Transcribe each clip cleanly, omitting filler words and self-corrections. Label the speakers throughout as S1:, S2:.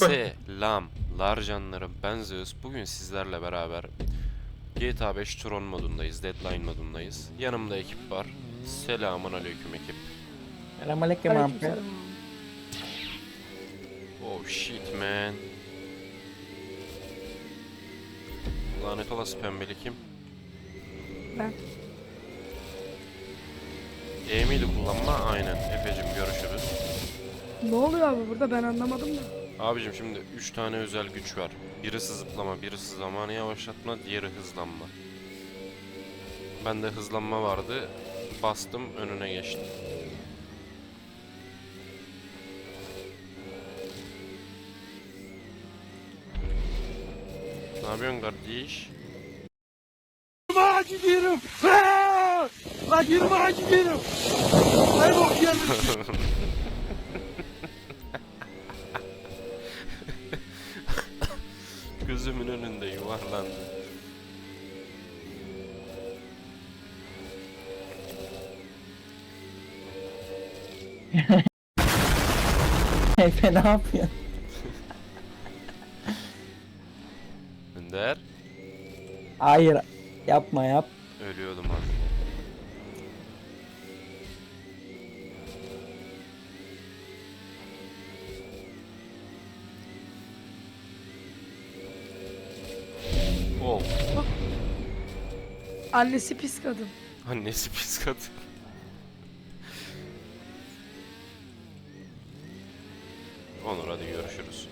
S1: Selamlar canlarım, ben Zeus. Bugün sizlerle beraber GTA 5 Tron modundayız, Deadline modundayız. Yanımda ekip var. Selamun aleyküm ekip.
S2: Selamünaleyküm abi.
S3: Aleykümselam.
S1: Oh shit man. Lanet olası pembeli kim?
S3: Ben.
S1: Miydi kullanma? Aynen. Efecim görüşürüz.
S3: Ne oluyor abi burada, ben anlamadım da.
S1: Abicim şimdi 3 tane özel güç var. Birisi zıplama, birisi zamanı yavaşlatma, diğeri hızlanma. Bende hızlanma vardı. Bastım, önüne geçtim. Ne yapıyorsun kardeş?
S4: Yürüme gidiyorum. Lan yürüme gidiyorum. Ay bok yemişim.
S1: Gözümün önünde yuvarlandı.
S2: Efe ne yapıyorsun?
S1: Önder.
S2: Hayır. Yapma yap.
S1: Ölüyordum az. Oh.
S3: Annesi pis kadın.
S1: Annesi pis kadın. Onur hadi görüşürüz.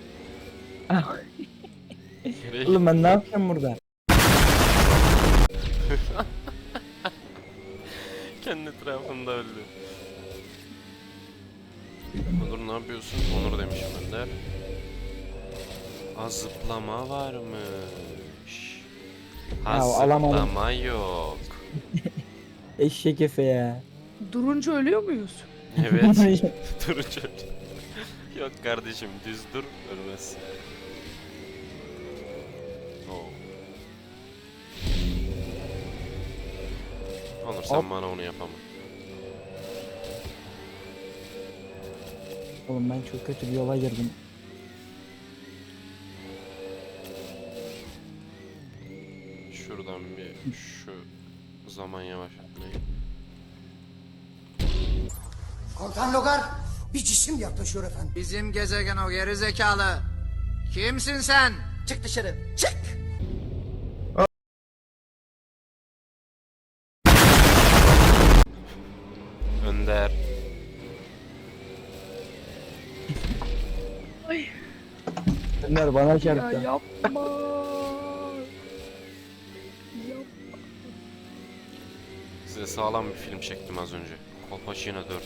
S1: Nereye
S2: Oğlum ben ne yapacağım burada?
S1: Kendi etrafında öldü. Onur ne yapıyorsun? Onur demişim Önder. Az zıplama varmış.
S2: Ya,
S1: Az
S2: alamadım.
S1: zıplama yok.
S2: Eşek Efe ya.
S3: Durunca ölüyor muyuz?
S1: Evet. Durunca. Yok kardeşim düz dur ölmez. Oo. Onur sen
S2: Hop.
S1: bana onu yapama.
S2: Oğlum ben çok kötü bir yola girdim.
S1: Şuradan bir şu zaman yavaşlatmayı.
S5: Komutan Logar, bir cisim yaklaşıyor efendim.
S6: Bizim gezegen o geri zekalı. Kimsin sen?
S5: Çık dışarı, çık!
S1: Önder.
S3: Ay
S2: Önder bana
S3: ya
S2: çarptı.
S3: yapma.
S1: Size sağlam bir film çektim az önce. Kolpaçino 4.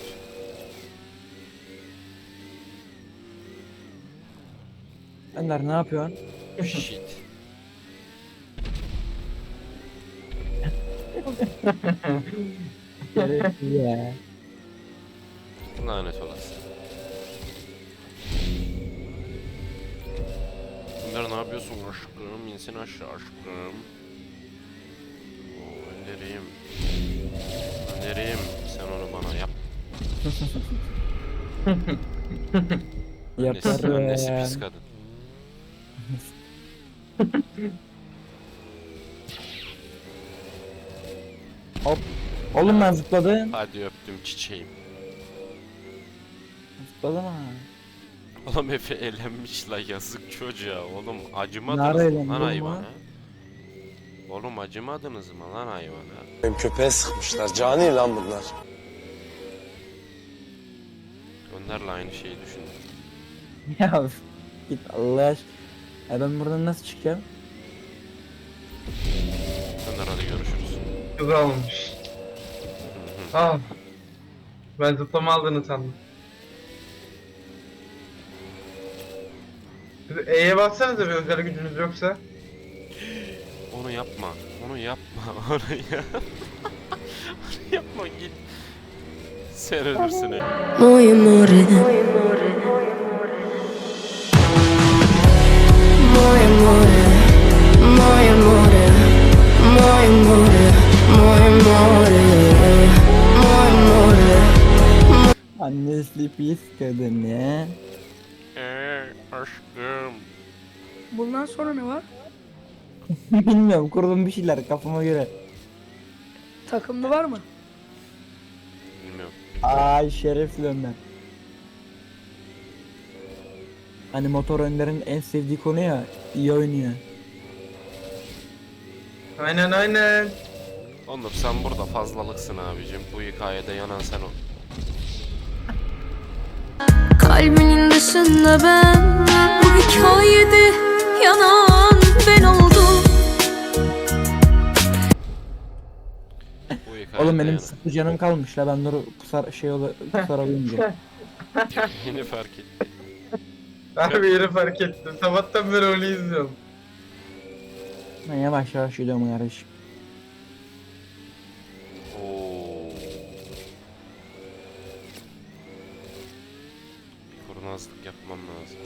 S2: Önder ne yapıyorsun?
S1: Shit.
S2: Gereksiz ya.
S1: Lanet olası. Önder ne yapıyorsun aşkım? İnsin aşağı aşkım. Oo, Önder'im. Önder'im sen onu bana yap. Annesi pis
S2: Yaparım.
S1: kadın.
S2: Hop. Oğlum ben zıpladım.
S1: Hadi öptüm çiçeğim.
S2: Zıpladım ha.
S1: Oğlum Efe elenmiş la yazık çocuğa. Oğlum
S2: Nerede
S1: acımadınız mı
S2: eğlendi
S1: lan
S2: oğlum
S1: hayvana?
S2: ha?
S1: Oğlum acımadınız mı lan hayvana?
S7: Benim köpeğe sıkmışlar. Cani lan bunlar.
S1: Önder'le aynı şeyi düşündüm.
S2: Ya git Allah aşkına. Ya ben buradan nasıl çıkacağım?
S1: Önder hadi görüşürüz.
S4: Güzel olmuş. Ah. Ben zıplama aldığını sandım. Siz E'ye bassanıza bir özel gücünüz yoksa.
S1: Onu yapma. Onu yapma. Onu yapma. Onu yapma git. Sen ölürsün.
S8: Muy amore, muy amore, muy amore, muy amore, muy amore, muy amore.
S2: Annesi pis kadın ya.
S1: Aşkım.
S3: Bundan sonra ne var?
S2: Bilmiyorum, kurdum bir şeyler kafama göre.
S3: Takımlı var mı?
S1: Bilmiyorum.
S2: Ay şerefli Önder. Hani motor Önder'in en sevdiği konu ya, iyi oynuyor.
S4: Aynen aynen.
S1: Onur sen burada fazlalıksın abicim. Bu hikayede yanan sen ol.
S8: Kalbinin dışında ben, bu hikayede yanan ben oldum.
S1: Bu hikayede
S2: Oğlum benim
S1: yanan.
S2: sıfır canım kalmış la, ben dur kusarabilmeyeceğim.
S1: Yeni fark ettim.
S4: Abi yeri fark ettim. Sabahtan beri onu izliyorum.
S2: Ben yavaş yavaş gidiyorum kardeşim.
S1: Oo. Bir kurnazlık yapmam lazım.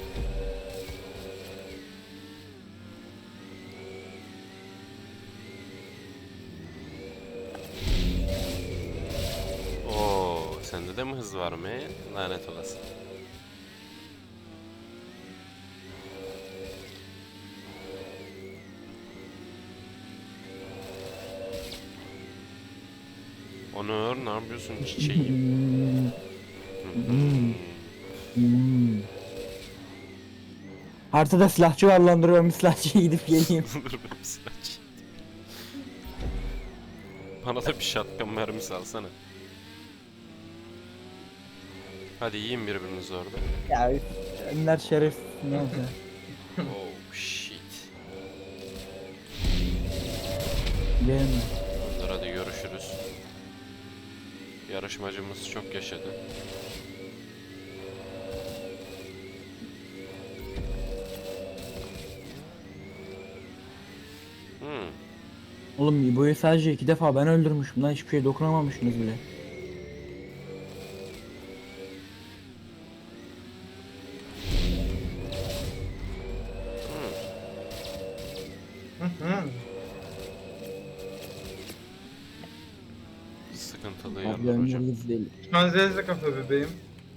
S1: Oo, sende de mi hız var mı? Lanet olası. Onur ne yapıyorsun çiçeğim?
S2: Haritada silahçı var lan, dur ben bir silahçıya gidip geleyim.
S1: Dur ben bir silah çekeyim. Bana da bir shotgun mermisi alsana. Hadi yiyin birbirinizi orada.
S2: Ya Önder şeref ne oldu?
S1: Oh shit.
S2: Benim mi?
S1: Onur hadi görüşürüz. Yarışmacımız çok yaşadı.
S2: Oğlum İbo'yu sadece 2 defa ben öldürmüşüm lan, hiçbir şeye dokunamamışsınız bile.
S1: Sıkıntılı
S2: Abi
S1: yanlar hocam.
S2: Önder değil.
S4: Şu an zezle kafa bebeğim.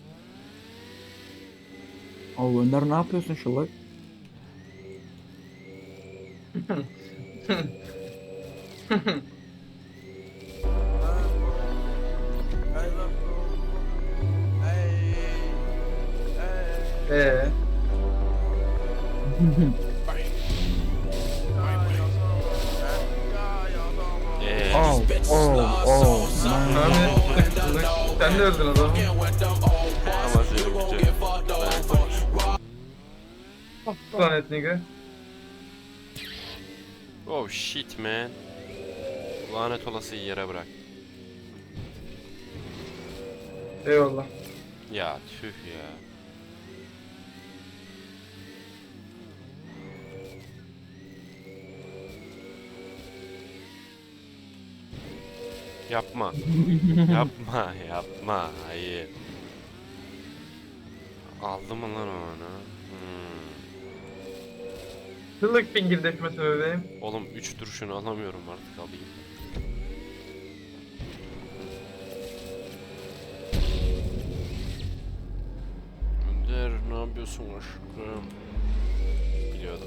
S2: Abi Önder ne yapıyorsun şu bak?
S4: Eee?
S2: Oh oh man.
S4: Ahmet sen de öldün adamı.
S1: Ama seni güzel.
S4: Planet nigga.
S1: Oh shit man. Lanet olası yere bırak.
S4: Eyvallah.
S1: Ya tüh ya. Yapma. Yapma, yapma. Hayır. Aldı mı lan onu?
S4: Çıllık finger deşmesi bebeğim.
S1: Oğlum 3 duruşunu alamıyorum artık, alayım. Önder ne yapıyorsun aşkım? Biliyordum.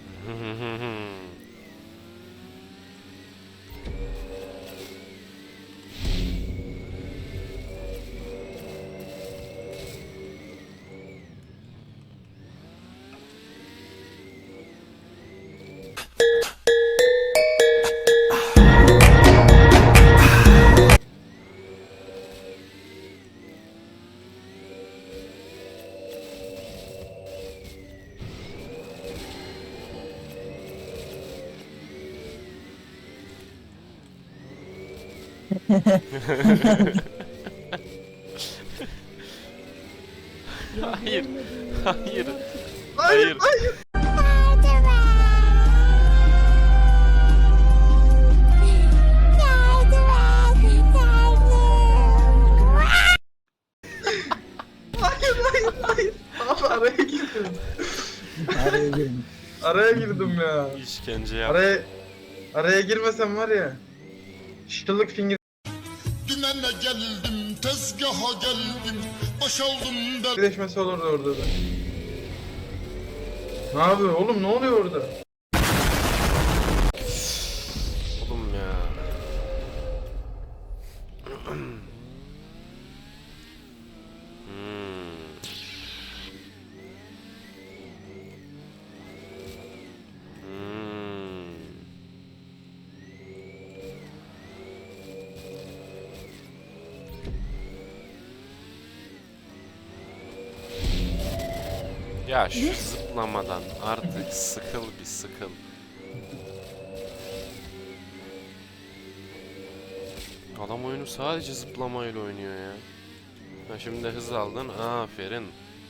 S1: Hayır. Hayır. Hayır.
S4: Hayır. Abi araya girdim.
S2: Araya girin.
S4: Araya girdim ya.
S1: İşkence yap.
S4: Araya girmesem var ya. Çıllık finger
S5: Dümene geldim, tezgaha geldim, boşaldım ben.
S4: deşmesi olurdu orada da. Ne yapıyor oğlum, ne oluyor orada?
S1: Oğlum ya. Ya şu zıplamadan artık sıkıl bir sıkıl. Adam oyunu sadece zıplamayla oynuyor ya. Ha, şimdi de hız aldın. Aferin.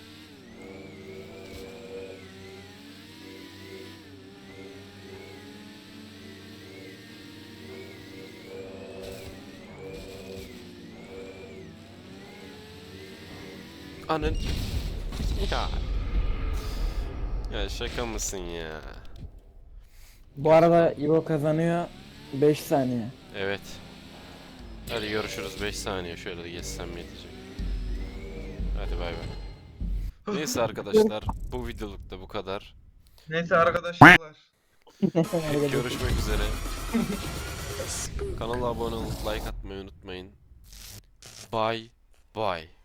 S1: Anın. Ya. Ya şaka mısın ya?
S2: Bu arada İbo kazanıyor 5 saniye.
S1: Evet. Hadi görüşürüz 5 saniye şöyle geçsem yetecek. Hadi bay bay. Neyse arkadaşlar bu videoluk da bu kadar.
S4: Neyse arkadaşlar.
S1: Görüşmek üzere. Kanala abone olup like atmayı unutmayın. Bye bye.